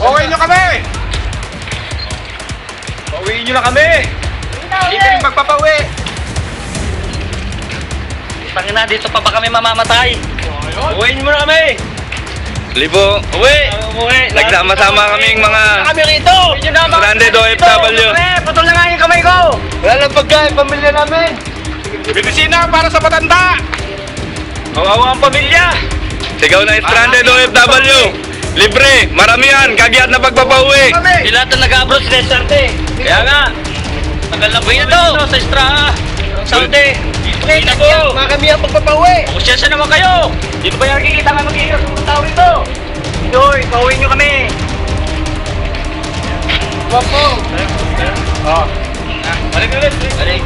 Okay nyo kami! Pauwiin nyo na kami! Hindi kami magpapauwi! Tangina, dito pa ba kami mamamatay? Uwiin mo na kami! Libo, uwi! Nagsama-sama kaming mga Kami rito! stranded OFW. Putol na nga yung kamay ko! Wala lang pagkain, pamilya namin! Medisina para sa matanda! Kawawa ang pamilya! Sigaw na stranded OFW. Libre, maramihan, kagiat na pagpapauwi. Di lahat na nag-abroad sila Sarte. Kaya nga, tagal na po ito sa Estraha. Saudi. Dito po. Mga kami ang pagpapauwi! Kusyensya naman kayo. Dito ba yung nakikita nga mag-iigas ng tao rito? Doy, pauwi nyo kami. Wag po! Oh. Balik ulit! Balik.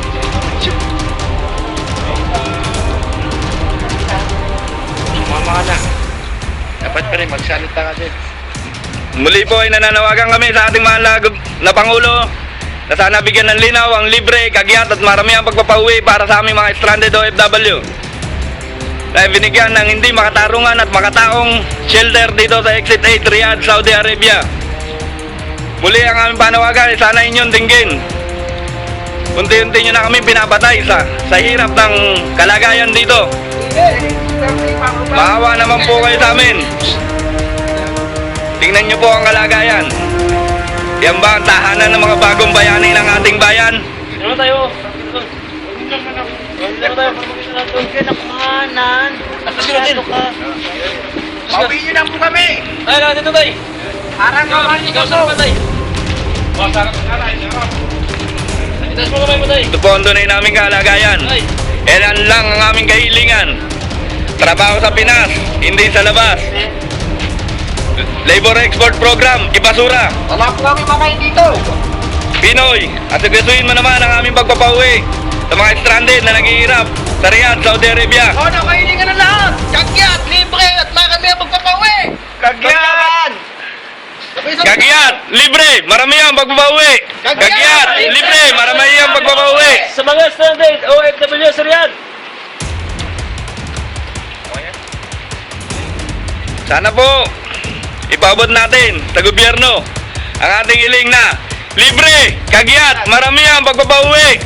Mama ka na. Dapat pa rin magsalita ka din. Muli po ay nananawagan kami sa ating mahal na Pangulo na sana bigyan ng linaw ang libre, kagiat at maramihan pagpapauwi para sa aming mga stranded OFW. Dahil binigyan ng hindi makatarungan at makataong shelter dito sa Exit 8 Riyadh, Saudi Arabia. Muli ang aming panawagan ay sana inyong dinggin. Unti-unti nyo na kami pinapatay sa hirap ng kalagayan dito. Maawa naman po kayo sa amin. Tingnan nyo po ang kalagayan. Yan ba ang tahanan ng mga bagong bayani ng ating bayan? Ano tayo? Ano tayo? Huwag ka na kumahanan. Nakasino ka. Pauwiin nyo na po kami! Ay, lang dito tayo. Parang naman Ikaw sa patay. Itas mo kamay mo tayo. Ito po ang tunay naming kalagayan. Ay. Ilan lang ang aming kahilingan. Trabaho sa Pinas, hindi sa labas. Labor Export Program, ibasura. Wala po kami makain dito! Pinoy, at sigasuin mo naman ang aming pagpapauwi sa mga stranded na naghihirap sa Riyadh, Saudi Arabia. O, nakainin ka na lahat! Kagyat, libre, at marami ang magpapauwi! Kagyat! Kagiat, libre, maramihan pagpapauwi. Kagiat, libre, maramihan pagpapauwi. Sa mga stranded OFW sa Riyadh. Sana po, ipaabot natin sa gobyerno ang ating hiling na libre, kagiat, maramihan pagpapauwi.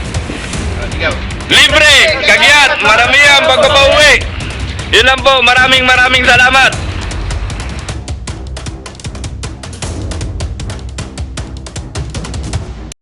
Libre, kagiat, maramihan pagpapauwi. Yun lang po, maraming salamat.